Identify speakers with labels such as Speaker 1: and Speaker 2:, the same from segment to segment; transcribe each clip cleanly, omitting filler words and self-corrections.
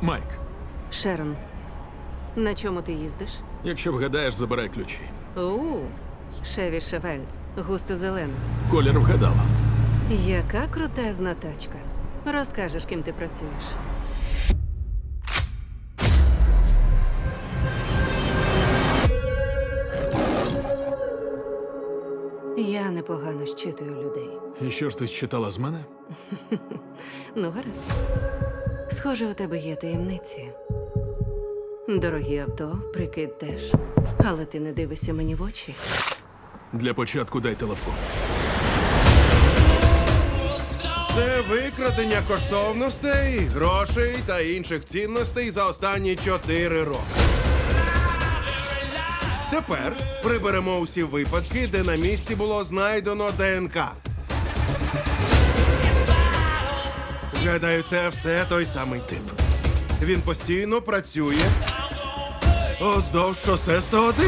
Speaker 1: Майк,
Speaker 2: Шерон, на чому ти їздиш?
Speaker 1: якщо вгадаєш, забирай ключі.
Speaker 2: Шеві Шевель, густо зелена.
Speaker 1: Колір вгадала.
Speaker 2: Яка крутезна тачка. Розкажеш, ким ти працюєш. Я непогано щитую людей.
Speaker 1: І що ж ти читала з мене?
Speaker 2: Ну, гаразд. Схоже, у тебе є таємниці. Дорогі авто, прикид теж. Але ти не дивишся мені в очі.
Speaker 1: Для початку дай телефон.
Speaker 3: Це викрадення коштовностей, грошей та інших цінностей за останні 4 роки. Тепер приберемо усі випадки, де на місці було знайдено ДНК. Гадаю, це все той самий тип. Він постійно працює уздовж шосе 101.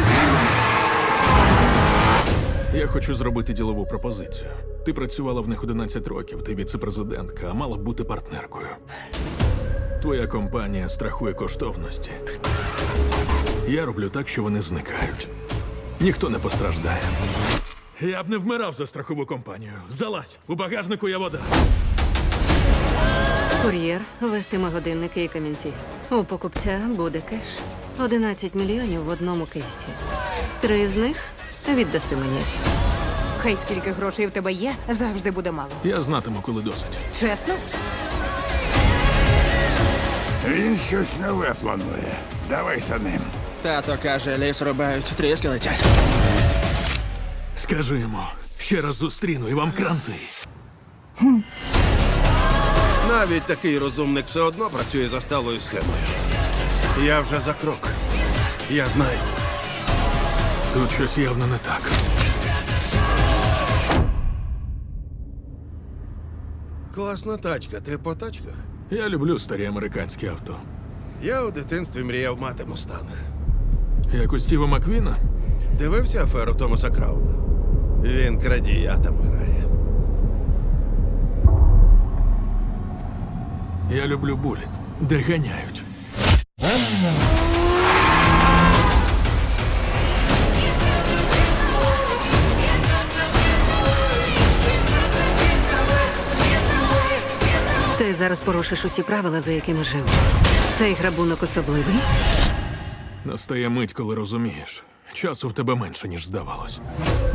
Speaker 1: Я хочу зробити ділову пропозицію. Ти працювала в них 11 років, ти віце-президентка, а мала б бути партнеркою. Твоя компанія страхує коштовності. Я роблю так, що вони зникають. Ніхто не постраждає. Я б не вмирав за страхову компанію. Залазь, у багажнику є вода.
Speaker 2: Кур'єр вестиме годинники і камінці. У покупця буде кеш. 11 мільйонів в одному кейсі. 3 з них віддаси мені.
Speaker 4: Хай скільки грошей в тебе є, завжди буде мало.
Speaker 1: Я знатиму, коли досить.
Speaker 4: Чесно?
Speaker 5: Він щось нове планує. Давай за ним.
Speaker 6: Тато каже, ліс рубають, тріски летять.
Speaker 1: Скажи йому, ще раз зустріну і вам кранти.
Speaker 3: Навіть такий розумник все одно працює за сталою схемою. Я вже за крок. Я знаю.
Speaker 1: Тут щось явно не так.
Speaker 3: Класна тачка. Ти по тачках?
Speaker 1: Я люблю старі американські авто.
Speaker 3: Я у дитинстві мріяв мати мустанг.
Speaker 1: Як у Стіва Маквіна?
Speaker 3: Дивився аферу Томаса Крауна? Він крадія там грає.
Speaker 1: Я люблю буліт, де ганяють.
Speaker 2: Ти зараз порушиш усі правила, за якими жив. Цей грабунок особливий.
Speaker 1: Настає мить, коли розумієш. Часу в тебе менше, ніж здавалось.